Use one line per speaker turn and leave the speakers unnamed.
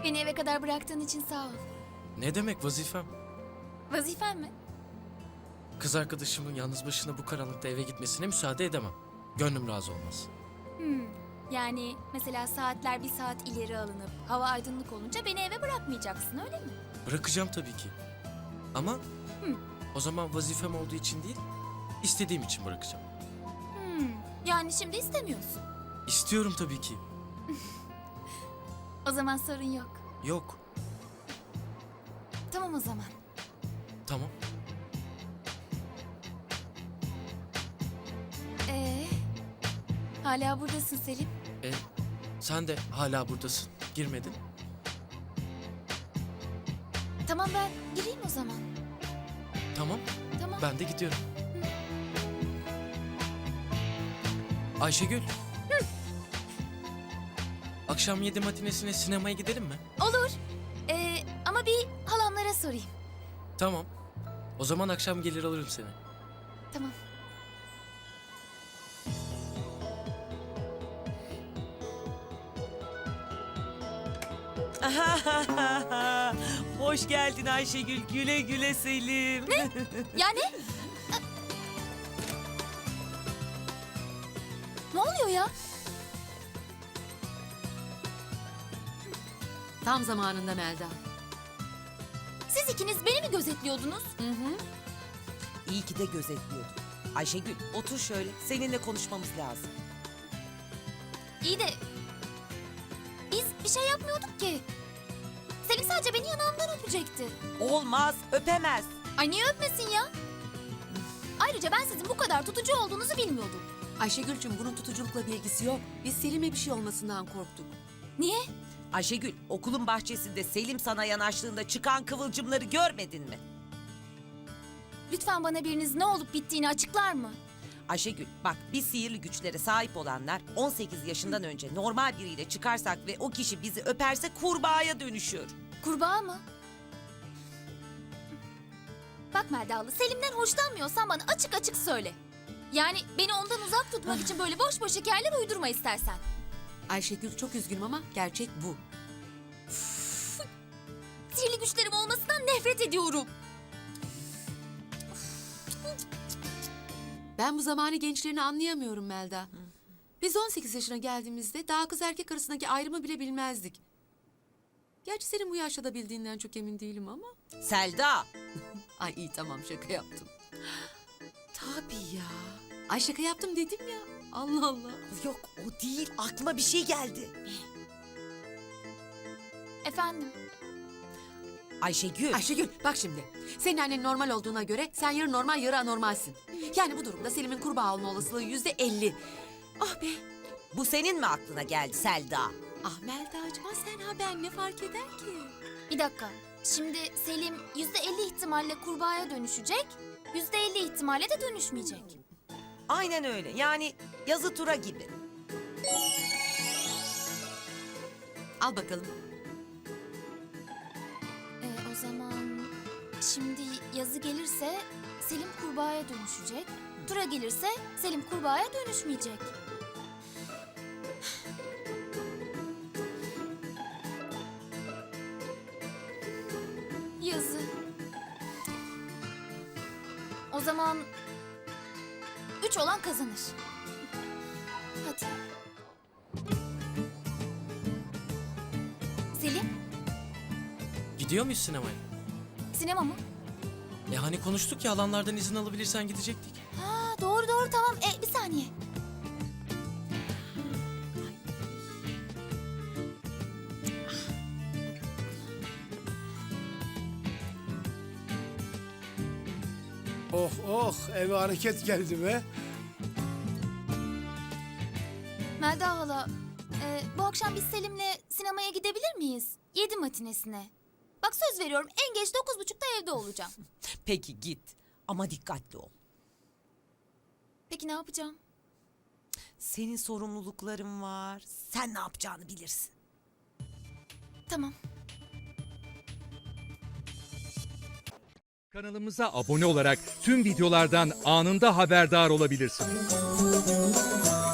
Beni eve kadar bıraktığın için sağ ol.
Ne demek vazifem?
Vazifen mi?
Kız arkadaşımın yalnız başına bu karanlıkta eve gitmesine müsaade edemem. Gönlüm razı olmaz.
Yani mesela saatler bir saat ileri alınıp hava aydınlık olunca beni eve bırakmayacaksın öyle mi?
Bırakacağım tabii ki. Ama o zaman vazifem olduğu için değil, istediğim için bırakacağım.
Yani şimdi istemiyorsun.
İstiyorum tabii ki.
O zaman sorun yok.
Yok.
Tamam o zaman.
Tamam.
Hala buradasın Selim.
Sen de hala buradasın. Girmedin.
Tamam ben gireyim o zaman.
Tamam.
Tamam.
Ben de gidiyorum. Ayşegül. Akşam 7 matinesine sinemaya gidelim mi?
Olur. Ama bir halamlara sorayım.
Tamam. O zaman akşam gelir alırım seni.
Tamam.
Hoş geldin Ayşegül. Güle güle Selim. Ne?
Yani? Ne oluyor ya?
Tam zamanında Melda.
Siz ikiniz beni mi gözetliyordunuz?
İyi ki de gözetliyordun. Ayşegül otur şöyle. Seninle konuşmamız lazım.
İyi de biz bir şey yapmıyorduk ki. Selim sadece beni yanağımdan öpecekti.
Olmaz, öpemez.
Ay niye öpmesin ya? Ayrıca ben sizin bu kadar tutucu olduğunuzu bilmiyordum.
Ayşegül'cüm bunun tutuculukla bir ilgisi yok. Biz Selim'e bir şey olmasından korktuk.
Niye?
Ayşegül okulun bahçesinde Selim sana yanaştığında çıkan kıvılcımları görmedin mi?
Lütfen bana biriniz ne olup bittiğini açıklar mı?
Ayşegül bak biz sihirli güçlere sahip olanlar 18 yaşından önce normal biriyle çıkarsak ve o kişi bizi öperse kurbağaya dönüşüyor.
Kurbağa mı? Bak Meldalı, Selim'den hoşlanmıyorsan bana açık açık söyle. Yani beni ondan uzak tutmak için böyle boş boş hikayeler uydurma istersen.
Ayşegül çok üzgünüm ama gerçek bu.
Sihirli güçlerim olmasından nefret ediyorum.
Ben bu zamanı gençlerini anlayamıyorum Melda. Biz 18 yaşına geldiğimizde daha kız erkek arasındaki ayrımı bile bilmezdik. Gerçi senin bu yaşta da bildiğinden çok emin değilim ama.
Selda.
Ay iyi tamam şaka yaptım. Tabii ya. Ay şaka yaptım dedim ya. Allah Allah.
Yok o değil aklıma bir şey geldi.
Efendim?
Ayşegül.
Ayşegül bak şimdi. Senin annen normal olduğuna göre sen yarı normal yarı anormalsin. Yani bu durumda Selim'in kurbağa olma olasılığı %50. Ah be.
Bu senin mi aklına geldi Selda?
Ah Melda'cığım sen ha ben ne fark eder ki?
Bir dakika. Şimdi Selim %50 ihtimalle kurbağaya dönüşecek, %50 ihtimalle de dönüşmeyecek.
Aynen öyle yani yazı tura gibi.
Al bakalım.
O zaman şimdi yazı gelirse Selim kurbağaya dönüşecek. Tura gelirse Selim kurbağaya dönüşmeyecek. Yazı. O zaman 3 olan kazanır. Hadi. Selim,
Gidiyor muyuz sinemaya?
sinema mı?
Hani konuştuk ya alanlardan izin alabilirsen gidecektik.
Ha, doğru doğru tamam. Bir saniye.
Oh oh eve hareket geldi be.
Melda hala, bu akşam biz Selim'le sinemaya gidebilir miyiz? 7 matinesine. Bak söz veriyorum en geç 9.30'da evde olacağım.
Peki git ama dikkatli ol.
Peki ne yapacağım?
Senin sorumlulukların var. Sen ne yapacağını bilirsin.
Tamam.
Kanalımıza abone olarak tüm videolardan anında haberdar olabilirsiniz.